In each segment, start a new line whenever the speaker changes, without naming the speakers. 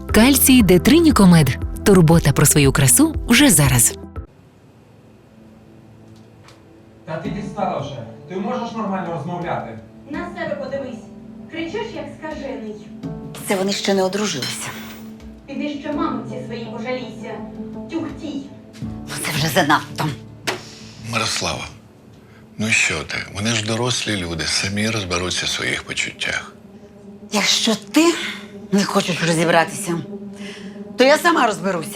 Кальцій Детринікомед. Турбота про свою красу вже зараз.
Та ти дістала вже. Ти можеш нормально розмовляти?
На себе подивись. Кричиш, як скажений.
Це вони ще не одружилися.
Піди ще мамиці своїй пожалійся. Тюхтій.
Це вже занадто.
Мирослава, ну що ти? Вони ж дорослі люди, самі розберуться в своїх почуттях.
Якщо ти не хочеш розібратися, то я сама розберуся.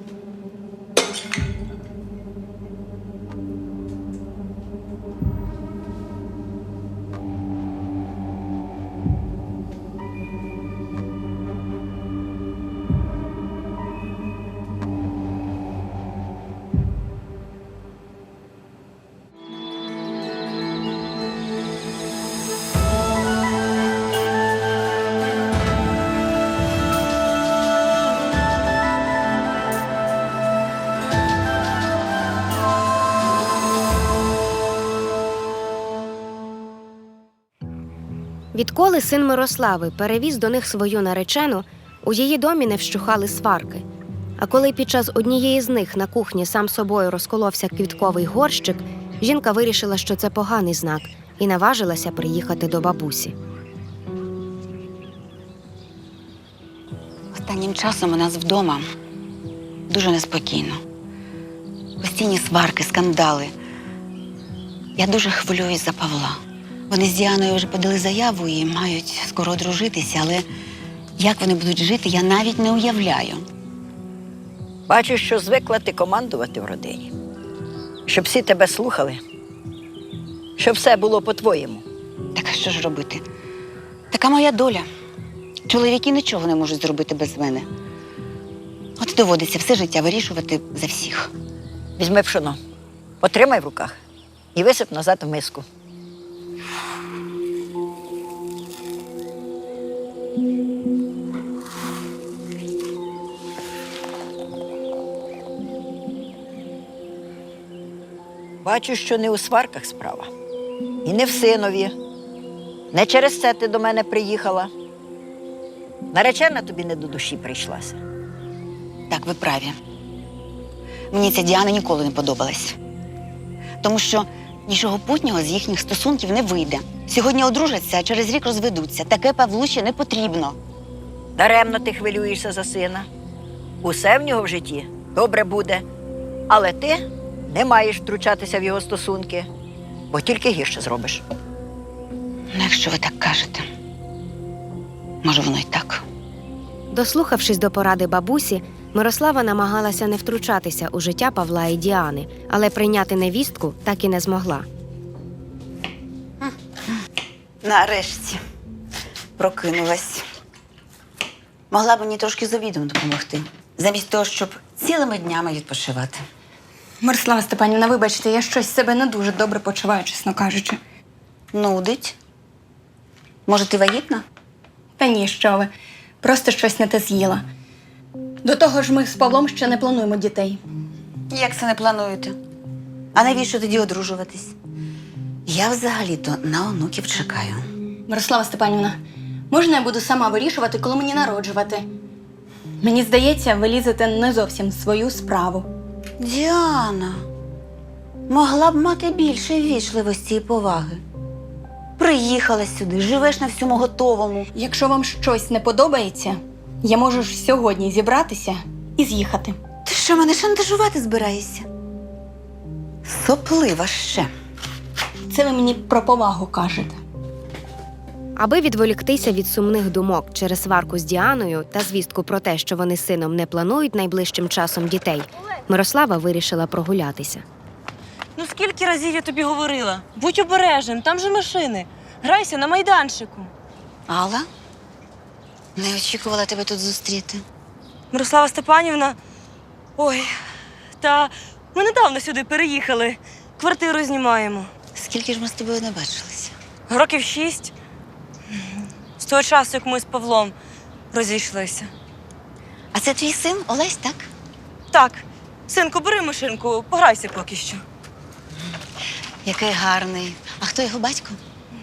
Відколи син Мирослави перевіз до них свою наречену, у її домі не вщухали сварки. А коли під час однієї з них на кухні сам собою розколовся квітковий горщик, жінка вирішила, що це поганий знак, і наважилася приїхати до бабусі.
Останнім часом у нас вдома дуже неспокійно. Постійні сварки, скандали. Я дуже хвилююсь за Павла. Вони з Діаною вже подали заяву і мають скоро одружитися, але як вони будуть жити, я навіть не уявляю.
Бачу, що звикла ти командувати в родині. Щоб всі тебе слухали, щоб все було по-твоєму.
Так а що ж робити? Така моя доля. Чоловіки нічого не можуть зробити без мене. От доводиться все життя вирішувати за всіх.
Візьми пшоно, потримай в руках і висип назад в миску. Бачу, що не у сварках справа. І не в синові. Не через це ти до мене приїхала. Наречена тобі не до душі прийшлася.
Так, ви праві. Мені ця Діана ніколи не подобалась. Тому що нічого путнього з їхніх стосунків не вийде. Сьогодні одружаться, а через рік розведуться. Таке Павлу ще не потрібно.
Даремно ти хвилюєшся за сина. Усе в нього в житті добре буде. Але ти не маєш втручатися в його стосунки, бо тільки гірше зробиш.
Ну, якщо ви так кажете, може воно й так.
Дослухавшись до поради бабусі, Мирослава намагалася не втручатися у життя Павла і Діани, але прийняти невістку так і не змогла.
Нарешті прокинулась. Могла б мені трошки з обідом допомогти, замість того, щоб цілими днями відпочивати.
Мирослава Степанівна, вибачте, я щось себе не дуже добре почуваю, чесно кажучи.
Нудить. Може, ти вагітна?
Та ні, що ви. Просто щось не те з'їла. До того ж, ми з Павлом ще не плануємо дітей.
Як це не плануєте? А навіщо тоді одружуватись? Я взагалі-то на онуків чекаю.
Мирослава Степанівна, можна я буду сама вирішувати, коли мені народжувати? Мені здається, ви лізете не зовсім в свою справу.
Діана, могла б мати більше ввічливості і поваги. Приїхала сюди, живеш на всьому готовому.
Якщо вам щось не подобається, я можу ж сьогодні зібратися і з'їхати.
Ти що, мене шантажувати збираєшся? Соплива ще.
Це ви мені про повагу кажете.
Аби відволіктися від сумних думок через сварку з Діаною та звістку про те, що вони з сином не планують найближчим часом дітей, Мирослава вирішила прогулятися.
Ну скільки разів я тобі говорила? Будь обережним, там же машини. Грайся на майданчику.
Алла? Не очікувала тебе тут зустріти.
Мирослава Степанівна, ой, та ми недавно сюди переїхали. Квартиру знімаємо.
Скільки ж ми з тобою не бачилися?
Років 6. З того часу, як ми з Павлом розійшлися.
А це твій син Олесь, так?
Так, синку, бери машинку, пограйся поки що.
Який гарний. А хто його батько?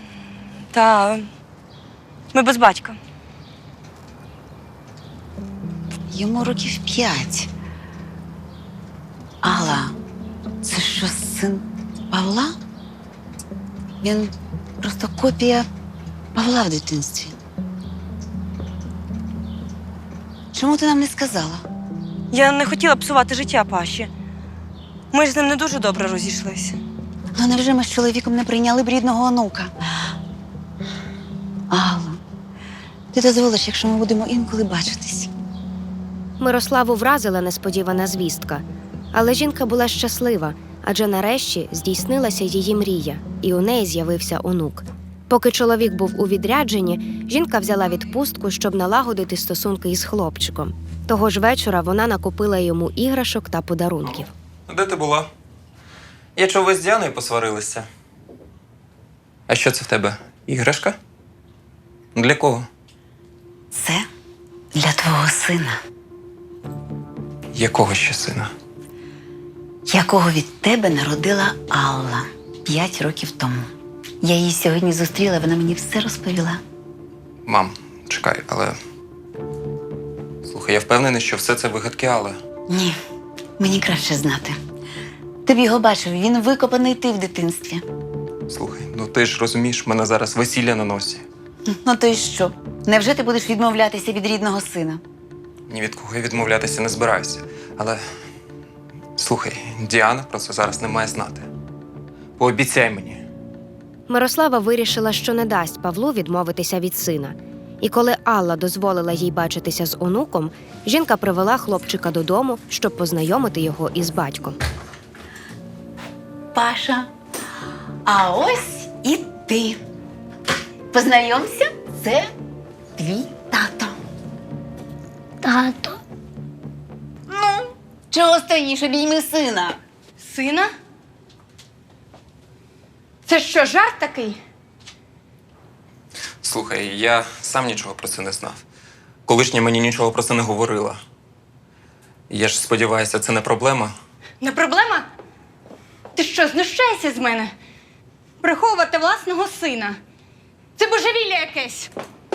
Та ми без батька.
Йому років 5. Алла, це що, син Павла? Він просто копія Павла в дитинстві. Чому ти нам не сказала?
Я не хотіла псувати життя Паші. Ми ж з ним не дуже добре розійшлися.
Ну невже ми з чоловіком не прийняли б рідного онука? Алла, ти дозволиш, якщо ми будемо інколи бачитись?
Мирославу вразила несподівана звістка. Але жінка була щаслива, адже нарешті здійснилася її мрія, і у неї з'явився онук. Поки чоловік був у відрядженні, жінка взяла відпустку, щоб налагодити стосунки із хлопчиком. Того ж вечора вона накупила йому іграшок та подарунків.
Де ти була? Я чув, ви з Діаною посварилися. А що це в тебе? Іграшка? Для кого?
Це для твого сина,
Якого ще сина?
якого від тебе народила Алла 5 років тому. Я її сьогодні зустріла, вона мені все розповіла.
Мам, чекай, але. Слухай, я впевнений, що все це вигадки Алли.
Ні, мені краще знати. Ти б його бачив, він викопаний ти в дитинстві.
Слухай, ну ти ж розумієш, в мене зараз весілля на носі.
Ну то й що? Невже ти будеш відмовлятися від рідного сина?
Ні від кого я відмовлятися не збираюся. Але. Слухай, Діана про це зараз не має знати. Пообіцяй мені.
Мирослава вирішила, що не дасть Павлу відмовитися від сина. І коли Алла дозволила їй бачитися з онуком, жінка привела хлопчика додому, щоб познайомити його із батьком.
Паша, а ось і ти. Познайомся, це твій тато.
Тато.
Ну, чого стоїш, обійми сина?
Сина? Це що, жарт такий?
Слухай, я сам нічого про це не знав. Колишня мені нічого про це не говорила. Я ж сподіваюся, це не проблема.
Не проблема? Ти що, знущаєшся з мене? Приховувати власного сина. Це божевілля якесь.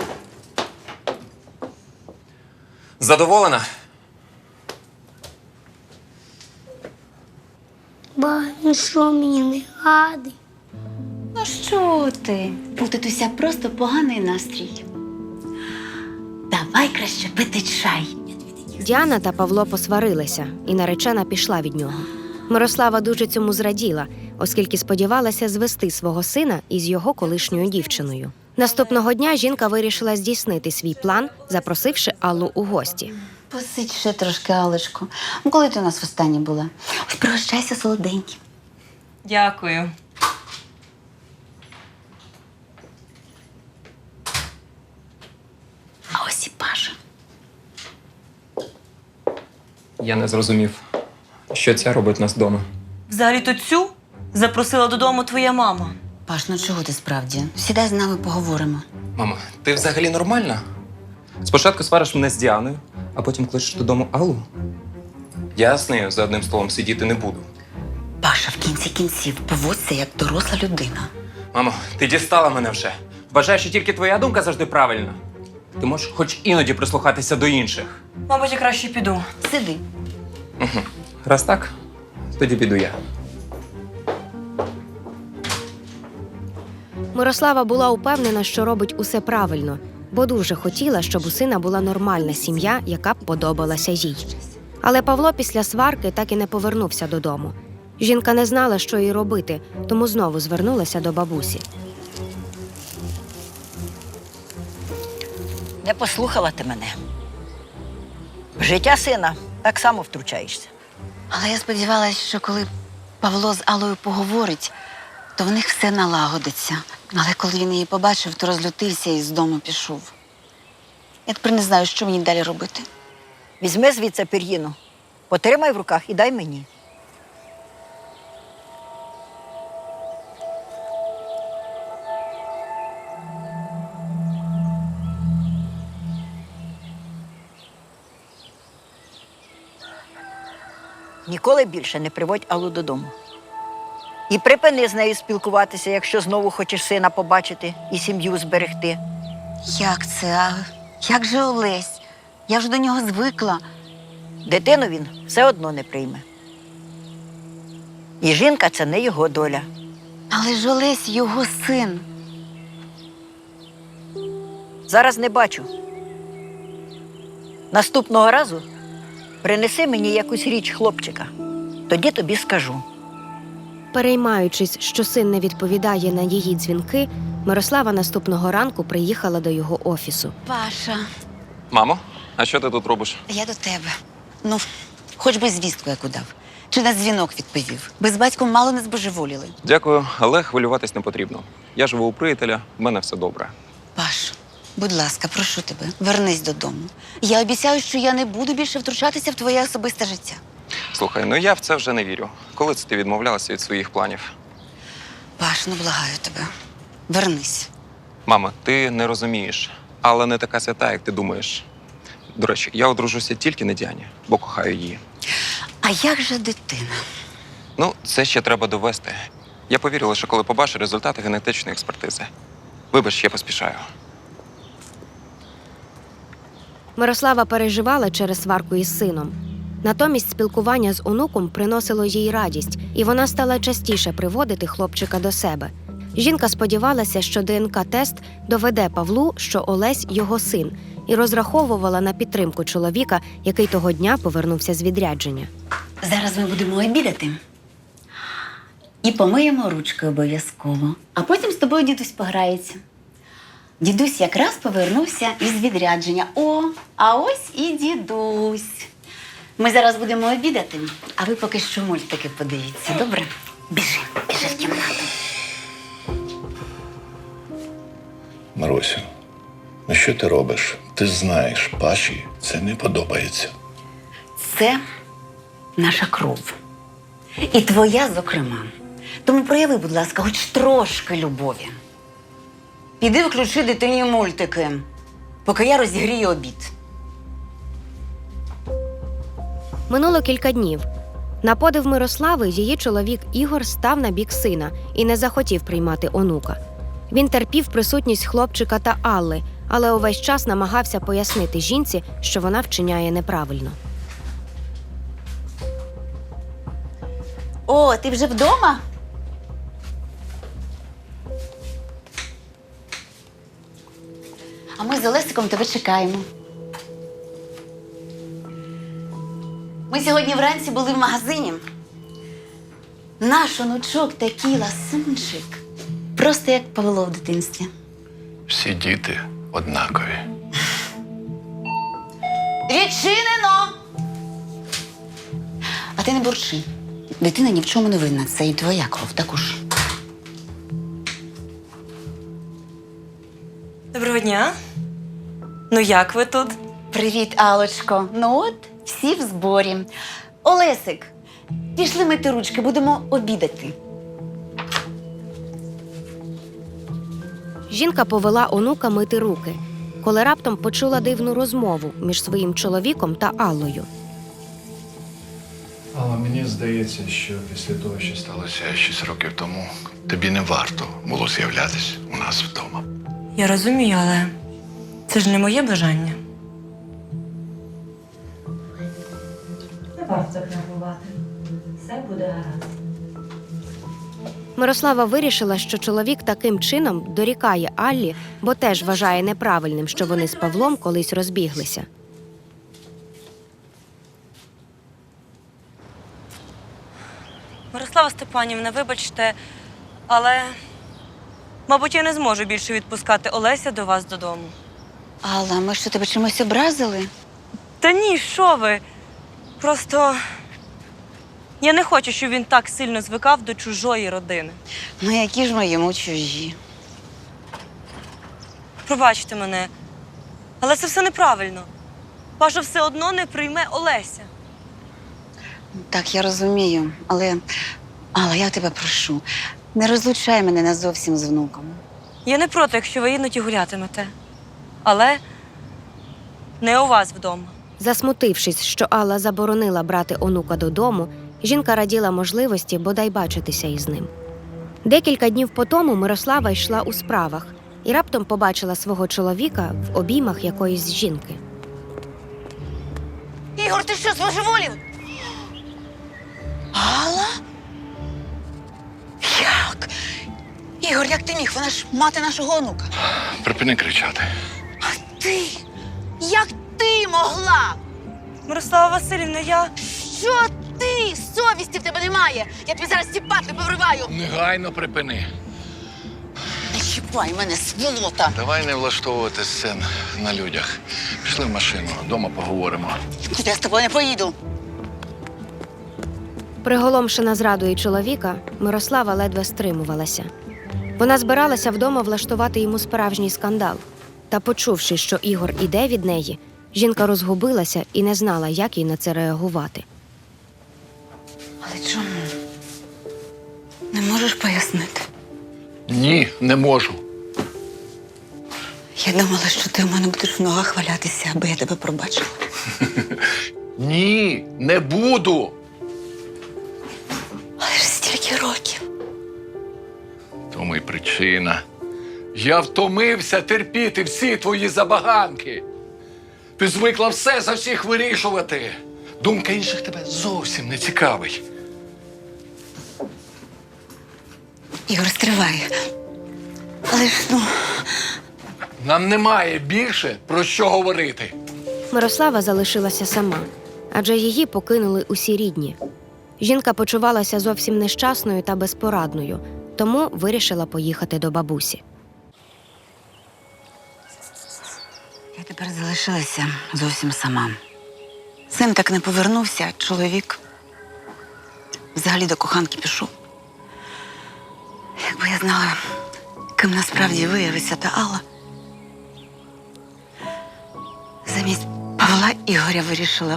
Задоволена?
Ба, ну що мені не гадий?
Ну що ти? У татуся просто поганий настрій. Давай краще пити чай.
Діана та Павло посварилися, і наречена пішла від нього. Мирослава дуже цьому зраділа, оскільки сподівалася звести свого сина із його колишньою дівчиною. Наступного дня жінка вирішила здійснити свій план, запросивши Аллу у гості.
Посидь ще трошки, Алечко. Ну, коли ти у нас востаннє була? Ось пригощайся солоденьким.
Дякую.
А ось і Паша.
Я не зрозумів, що ця робить нас вдома.
Взагалі-то цю запросила додому твоя мама.
Паш, ну чого ти справді? Сідай з нами поговоримо.
Мама, ти взагалі нормальна? Спочатку свариш мене з Діаною, а потім кличеш додому Аллу. Я з нею за одним столом сидіти не буду.
Паша, в кінці кінців поводься як доросла людина.
Мамо, ти дістала мене вже. Вважаєш, що тільки твоя думка завжди правильна. Ти можеш хоч іноді прислухатися до інших.
Мабуть, я краще піду.
Сиди.
Раз так, тоді піду я.
Мирослава була упевнена, що робить усе правильно, бо дуже хотіла, щоб у сина була нормальна сім'я, яка б подобалася їй. Але Павло після сварки так і не повернувся додому. Жінка не знала, що їй робити, тому знову звернулася до бабусі.
Не послухала ти мене. В життя сина так само втручаєшся.
Але я сподівалася, що коли Павло з Аллою поговорить, то в них все налагодиться. Але коли він її побачив, то розлютився і з дому пішов. Я тепер не знаю, що мені далі робити.
Візьми звідси пір'їну, потримай в руках і дай мені. Ніколи більше не приводь Аллу додому. І припини з нею спілкуватися, якщо знову хочеш сина побачити і сім'ю зберегти.
Як це? А як же Олесь? Я вже до нього звикла.
Дитину він все одно не прийме. І жінка – це не його доля.
Але ж Олесь його син.
Зараз не бачу. Наступного разу принеси мені якусь річ хлопчика. Тоді тобі скажу.
Переймаючись, що син не відповідає на її дзвінки, Мирослава наступного ранку приїхала до його офісу.
Паша,
Мамо, а що ти тут робиш?
я до тебе. Ну, хоч би звістку яку дав. Чи на дзвінок відповів. Ми з батьком мало не збожеволіли.
Дякую, але хвилюватись не потрібно. Я живу у приятеля, в мене все добре.
Паш, будь ласка, прошу тебе, вернись додому. Я обіцяю, що я не буду більше втручатися в твоє особисте життя.
Слухай, ну я в це вже не вірю. Коли це ти відмовлялася від своїх планів?
Паш, ну благаю тебе. Вернись.
Мама, ти не розумієш, але не така свята, як ти думаєш. До речі, я одружуся тільки на Діані, бо кохаю її.
А як же дитина?
Ну, це ще треба довести. Я повірю лише, коли побачу результати генетичної експертизи. Вибач, я поспішаю.
Мирослава переживала через сварку із сином. Натомість спілкування з онуком приносило їй радість, і вона стала частіше приводити хлопчика до себе. Жінка сподівалася, що ДНК-тест доведе Павлу, що Олесь – його син, і розраховувала на підтримку чоловіка, який того дня повернувся з відрядження.
Зараз ми будемо обідати. І помиємо ручки обов'язково. А потім з тобою дідусь пограється. Дідусь якраз повернувся із відрядження. О, а ось і дідусь. Ми зараз будемо обідати, а ви поки що мультики подивіться, добре? Біжи в кімнату.
Марусю, ну що ти робиш? Ти знаєш, Паші це не подобається.
Це наша кров. І твоя, зокрема. Тому прояви, будь ласка, хоч трошки любові. Піди включи дитині мультики, поки я розігрію обід.
Минуло кілька днів. На подив Мирослави її чоловік Ігор став на бік сина і не захотів приймати онука. Він терпів присутність хлопчика та Алли, але увесь час намагався пояснити жінці, що вона вчиняє неправильно.
О, ти вже вдома? А ми з Олесиком тебе чекаємо. Ми сьогодні вранці були в магазині. Наш онучок такий ласунчик. Просто як Павло в дитинстві.
Всі діти однакові.
Відчинено! А ти не бурчи. Дитина ні в чому не винна. Це і твоя кров також.
Доброго дня. Ну як ви тут?
Привіт, Алочко. Ну от, всі в зборі. Олесик, пішли мити ручки, будемо обідати.
Жінка повела онука мити руки, коли раптом почула дивну розмову між своїм чоловіком та Аллою.
Але мені здається, що після того, що сталося 6 років тому, тобі не варто було з'являтись у нас вдома.
Я розумію, але це ж не моє бажання.
Не варто так нервувати. Все буде гаразд.
Мирослава вирішила, що чоловік таким чином дорікає Аллі, бо теж вважає неправильним, що вони з Павлом колись розбіглися.
Мирослава Степанівна, вибачте, але, мабуть, я не зможу більше відпускати Олеся до вас додому.
Алла, ми що, тебе чимось образили?
Та ні, що ви? Просто я не хочу, щоб він так сильно звикав до чужої родини.
Ну, які ж ми йому чужі?
Пробачте мене, але це все неправильно. Паша все одно не прийме Олеся.
Так, я розумію, але, Алла, я тебе прошу, не розлучай мене назовсім з внуком.
Я не проти, якщо ви іноді гулятимете. Але не у вас вдома.
Засмутившись, що Алла заборонила брати онука додому, жінка раділа можливості бодай бачитися із ним. Декілька днів по тому Мирослава йшла у справах і раптом побачила свого чоловіка в обіймах якоїсь жінки.
Ігор, ти що, збожеволів? Алла? Як? Ігор, як ти міг? Вона ж мати нашого онука.
Припини кричати.
Ти? Як ти могла?
Мирослава Васильівна, я.
Що ти? Совісті в тебе немає. Я тобі зараз ці патли повриваю.
Негайно припини.
Не чіпай мене, сволота.
Давай не влаштовувати сцен на людях. Пішли в машину, вдома поговоримо.
Куди я з тобою не поїду?
Приголомшена зрадою чоловіка, Мирослава ледве стримувалася. Вона збиралася вдома влаштувати йому справжній скандал. Та, почувши, що Ігор іде від неї, жінка розгубилася і не знала, як їй на це реагувати.
Але чому? Не можеш пояснити?
Ні, не можу.
Я думала, що ти у мене будеш в ногах валятися, аби я тебе пробачила.
Ні, не буду.
Але ж стільки років.
Тому й причина. Я втомився терпіти всі твої забаганки. Ти звикла все за всіх вирішувати. Думка інших тебе зовсім не цікавить.
Ігор, стривай. Але ж,
Нам немає більше про що говорити.
Мирослава залишилася сама, адже її покинули усі рідні. Жінка почувалася зовсім нещасною та безпорадною, тому вирішила поїхати до бабусі.
я тепер залишилася зовсім сама. Син так не повернувся, а чоловік взагалі до коханки пішов. Якби я знала, ким насправді виявиться та Алла. Замість Павла Ігоря вирішила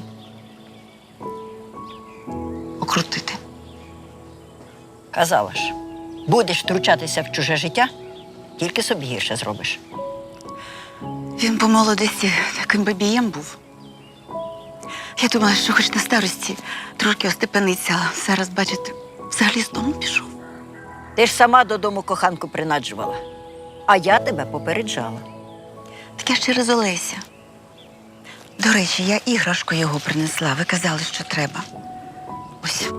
окрутити.
Казала ж, будеш втручатися в чуже життя, тільки собі гірше зробиш.
Він по молодості таким бабієм був. Я думала, що хоч на старості трошки остепениться, а зараз, бачите, взагалі з дому пішов.
Ти ж сама додому коханку принаджувала, а я тебе попереджала.
Так я ж через Олеся. До речі, я іграшку його принесла. Ви казали, що треба. Ось.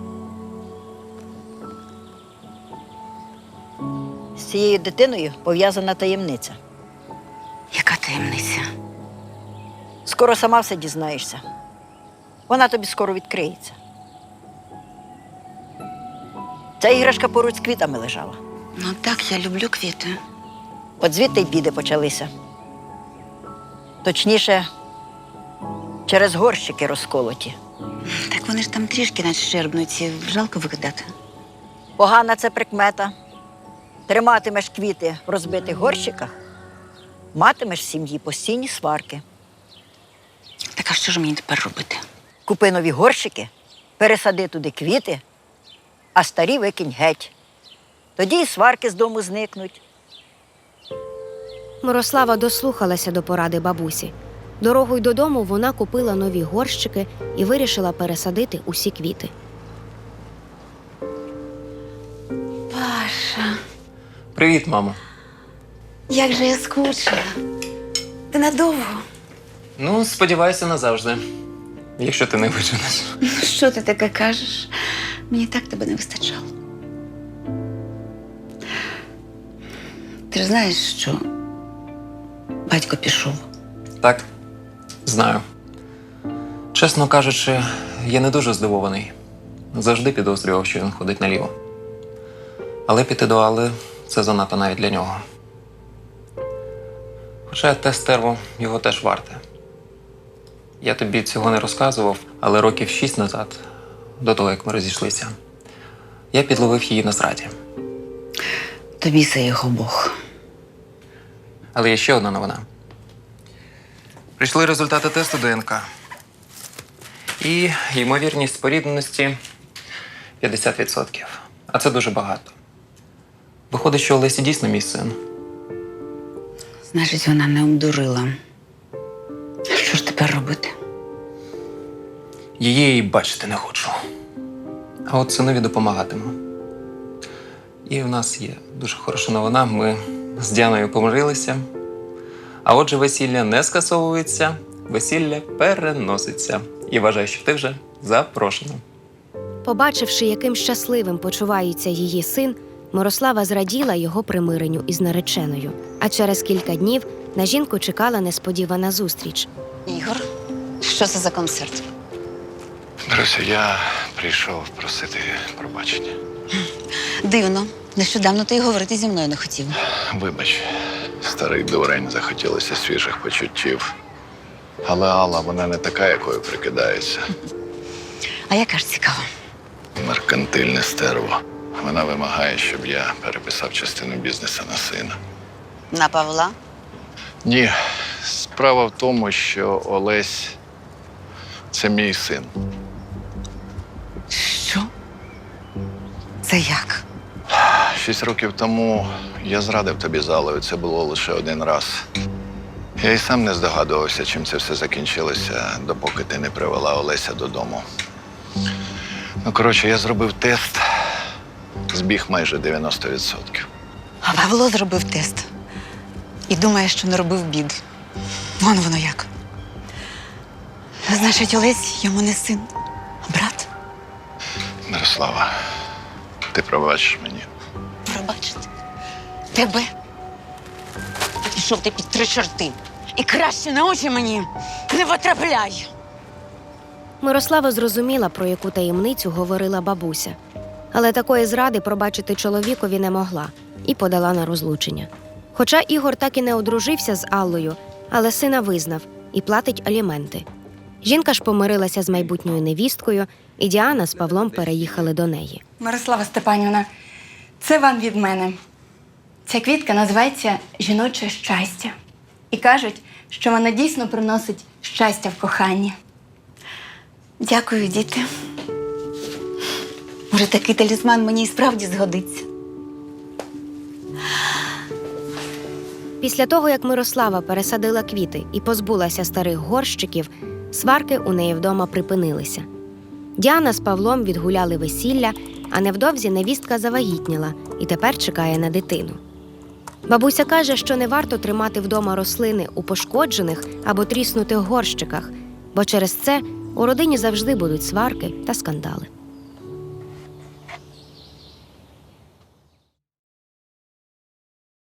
З цією дитиною пов'язана таємниця.
Яка таємниця?
Скоро сама все дізнаєшся. Вона тобі скоро відкриється. Ця іграшка поруч з квітами лежала.
Ну так, я люблю квіти.
От звідти й біди почалися. Точніше, через горщики розколоті.
Так вони ж там трішки надщербнуті. Жалко викидати.
Погана це прикмета. Триматимеш квіти в розбитих горщиках, матимеш в сім'ї постійні сварки.
Так а що ж мені тепер робити?
Купи нові горщики, пересади туди квіти, а старі викинь геть. Тоді й сварки з дому зникнуть.
Мирослава дослухалася до поради бабусі. Дорогою додому вона купила нові горщики і вирішила пересадити усі квіти.
Паша,
Привіт, мамо.
як же я скучила. Ти надовго?
Ну, сподіваюся, назавжди. Якщо ти не виженеш.
Що ти таке кажеш? Мені так тебе не вистачало. Ти ж знаєш, що батько пішов.
Так, знаю. Чесно кажучи, я не дуже здивований. Завжди підозрював, що він ходить наліво. Але піти до Алли – це занадто навіть для нього. Хоча те стерво його теж варте. Я тобі цього не розказував, але років 6 назад, до того, як ми розійшлися, я підловив її на зраді.
Тобі це його Бог.
Але є ще одна новина. Прийшли результати тесту ДНК. І ймовірність спорідненості 50%. А це дуже багато. Виходить, що Олесі дійсно мій син.
Значить, вона не обдурила. Що ж тепер робити?
Її і бачити не хочу. А от синові допомагатиму. І в нас є дуже хороша новина. Ми з Діаною помирилися. А отже, весілля не скасовується, весілля переноситься. і вважаю, що ти вже запрошена.
Побачивши, яким щасливим почувається її син, Мирослава зраділа його примиренню із нареченою. А через кілька днів на жінку чекала несподівана зустріч.
Ігор, що це за концерт?
Друзі, я прийшов просити пробачення.
Дивно. Нещодавно ти й говорити зі мною не хотів.
Вибач, старий дурень, захотілося свіжих почуттів. Але Алла, вона не така, якою прикидається.
А яка ж цікава?
Меркантильне стерво. Вона вимагає, щоб я переписав частину бізнесу на сина.
На Павла?
Ні, справа в тому, що Олесь – це мій син.
Що? Це як?
6 років тому я зрадив тобі з Аллою, це було лише один раз. Я й сам не здогадувався, чим це все закінчилося, допоки ти не привела Олеся додому. Ну, коротше, я зробив тест, збіг майже 90%.
А Павло зробив тест. І думає, що не робив бід. Вон воно як. Значить, Олесь йому не син, а брат.
Мирослава, ти пробачиш мені.
Пробачити. Тебе? Пішов ти під 3 чорти. І краще на очі мені не потрапляй.
Мирослава зрозуміла, про яку таємницю говорила бабуся. Але такої зради пробачити чоловікові не могла і подала на розлучення. Хоча Ігор так і не одружився з Аллою, але сина визнав і платить аліменти. Жінка ж помирилася з майбутньою невісткою, і Діана з Павлом переїхали до неї.
Мирослава Степанівна, це вам від мене. Ця квітка називається «Жіноче щастя». І кажуть, що вона дійсно приносить щастя в коханні.
Дякую, діти. Може, такий талісман мені і справді згодиться.
Після того, як Мирослава пересадила квіти і позбулася старих горщиків, сварки у неї вдома припинилися. Діана з Павлом відгуляли весілля, а невдовзі невістка завагітніла і тепер чекає на дитину. Бабуся каже, що не варто тримати вдома рослини у пошкоджених або тріснутих горщиках, бо через це у родині завжди будуть сварки та скандали.